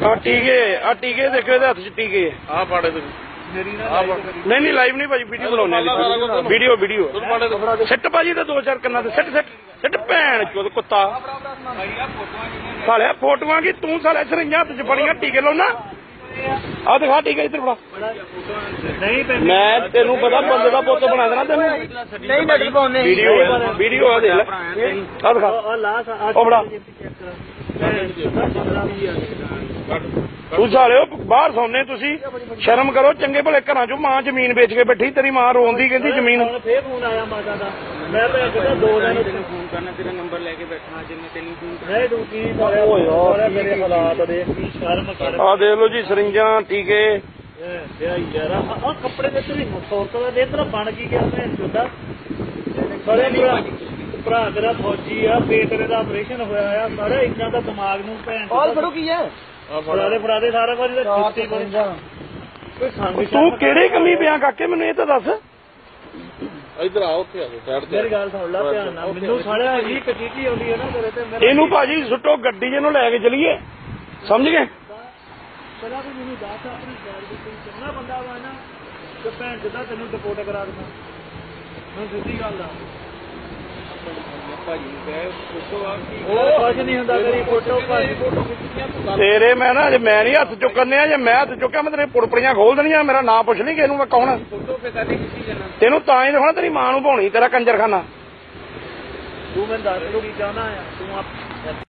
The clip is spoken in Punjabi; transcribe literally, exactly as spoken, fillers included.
ਆ ਟੀਕੇ ਆ ਟੀਕੇ ਦੇਖੋ ਇਹਦੇ ਹੱਥ ਚ ਟੀਕੇ ਆ ਪਾੜੇ ਨਹੀਂ ਨਹੀਂ ਲਾਈਵ ਨਹੀਂ ਭਾਜੀ ਵੀਡੀਓ ਬਣਾਉਣੇ ਵੀਡੀਓ ਵੀਡੀਓ ਸਿੱਟ ਭਾਜੀ ਤੇ ਦੋ ਚਾਰ ਕੰਨਾਂ ਤੇ ਸਿੱਟ ਸਿੱਟ ਸਿੱਟ ਭੈਣ ਚੋਦ ਕੁੱਤਾ ਸਾਲਿਆ ਫੋਟੋਆਂ ਕੀ ਤੂੰ ਸਾਲਿਆ ਸਰਿੰਜਾਂ ਹੱਥ ਚ ਫੜੀਆਂ ਟੀਕੇ ਲਾਉਣਾ ਆ ਦਿਖਾ ਟੀਕੇ ਇੱਧਰ ਫੜਾ ਮੈਂ ਤੈਨੂੰ ਪਤਾ ਬੰਦੇ ਦਾ ਪੁੱਤ ਬਣਾ ਦੇਣਾ ਤੈਨੂੰ ਵੀਡੀਓ ਵੀਡੀਓ ਆ ਦੇਖ ਲੈ ਆ ਦਿਖਾ ਉਹ ਫੜਾ ਤੂੰ ਸਾਲਿਓ ਬਾਹਰ ਸੌਂਦੇ ਤੁਸੀਂ ਸ਼ਰਮ ਕਰੋ ਚੰਗੇ ਭਲੇ ਘਰਾਂ ਚੋਂ ਮਾਂ ਜ਼ਮੀਨ ਵੇਚ ਕੇ ਬੈਠੀ ਤੇਰੀ ਮਾਂ ਰੋਂਦੀ ਕਹਿੰਦੀ ਜ਼ਮੀਨ ਫੇਰ ਫੋਨ ਆਇਆ ਮਾਤਾ ਦਾ ਮੈਂ ਤਾਂ ਦੋ ਦਿਨ ਫੋਨ ਕਰਨਾ ਤੇਰਾ ਨੰਬਰ ਲੈ ਕੇ ਬੈਠਣਾ ਜਿੰਨੇ ਤੈਨੂੰ ਫੋਨ ਨਹੀਂ ਤੂੰ ਕੀ ਓ ਯਾਰ ਮੇਰੇ ਹਾਲਾਤ ਦੇਖ ਕੀ ਸ਼ਰਮ ਕਰ ਆ ਦੇਖ ਲਓ ਜੀ ਸਰਿੰਜਾਂ ਟੀਕੇ ਯਾਰ ਆ ਕੱਪੜੇ ਦੇ ਤੇਰੀ ਸੌਰਤ ਦਾ ਦੇ ਤੇਰਾ ਬਣ ਕੀ ਗਿਆ ਮੈਂ ਚੁੱਦਾ ਸਾਰੇ ਭਰਾ ਤੇਰਾ ਫੌਜੀ ਆ ਪੇਟ ਤੇਰੇ ਦਾ ਆਪਰੇਸ਼ਨ ਹੋਇਆ ਆ ਸਾਰੇ ਇੰਨਾ ਦਾ ਦਿਮਾਗ ਨੂੰ ਭੈਣ ਕਾਲ ਫੜੋ ਕੀ ਹੈ ਫੜਾਦੇ ਫੜਾਦੇ ਸਾਰਾ ਕੁਝ ਜੁੱਤੀ ਕੋਈ ਸੰਗ ਤੂੰ ਕਿਹੜੇ ਕੰਮੀ ਪਿਆ ਕਾਕੇ ਮੈਨੂੰ ਇਹ ਤਾਂ ਦੱਸ ਇੱਧਰ ਆ ਉੱਥੇ ਆ ਸਾਈਡ ਤੇ ਮੇਰੀ ਗੱਲ ਸੁਣ ਲੈ ਧਿਆਨ ਨਾਲ ਮੈਨੂੰ ਸਾਲਿਆ ਹੀ ਕਚੀਕੀ ਆਉਂਦੀ ਹੈ ਨਾ ਤੇਰੇ ਤੇ ਇਹਨੂੰ ਭਾਜੀ ਸੁੱਟੋ ਗੱਡੀ ਜਿਹਨੂੰ ਲੈ ਕੇ ਚਲੀਏ ਸਮਝ ਗਏ ਪਹਿਲਾਂ ਵੀ ਮੈਨੂੰ ਦੱਸ ਆਪਣੀ ਸਾਈਡ ਤੇ ਕੋਈ ਚੰਗਾ ਬੰਦਾ ਵਾ ਨਾ ਤੇ ਭੈਣ ਜਿੱਦਾਂ ਤੈਨੂੰ ਡਿਪੋਰਟ ਕਰਾ ਦੇਣਾ ਮੈਂ ਸਿੱਧੀ ਗੱਲ ਦਾ ਭਾਜੀ ਫੋਟੋ ਆ ਕੀ ਕੁਝ ਨਹੀਂ ਹੁੰਦਾ ਤੇਰੀ ਫੋਟੋ ਭਾਜੀ ਫੋਟੋ ਖਿੱਚੀਆਂ ਤੇਰੇ ਮੈਂ ਨਾ ਜੇ ਮੈਂ ਨਹੀਂ ਹੱਥ ਚੁੱਕਣੇ ਆ ਜੇ ਮੈਂ ਹੱਥ ਚੁੱਕਿਆ ਮੈਂ ਤੇਰੇ ਪੁੜਪੜੀਆਂ ਖੋਲ ਦੇਣੀਆਂ ਮੇਰਾ ਨਾਂ ਪੁੱਛ ਲਈ ਕਿ ਇਹਨੂੰ ਮੈਂ ਕੌਣ ਫੋਟੋ ਤੇ ਕਾਦੀ ਖਿੱਚੀ ਜਾਣਾ ਤੈਨੂੰ ਤਾਂ ਹੀ ਦਿਖਾਉਣਾ ਤੇਰੀ ਮਾਂ ਨੂੰ ਭਾਉਣੀ ਤੇਰਾ ਕੰਜਰਖਾਨਾ ਤੂੰ ਮੈਨੂੰ ਦੱਸ ਲੋ ਕੀ ਚਾਹਨਾ ਆ ਤੂੰ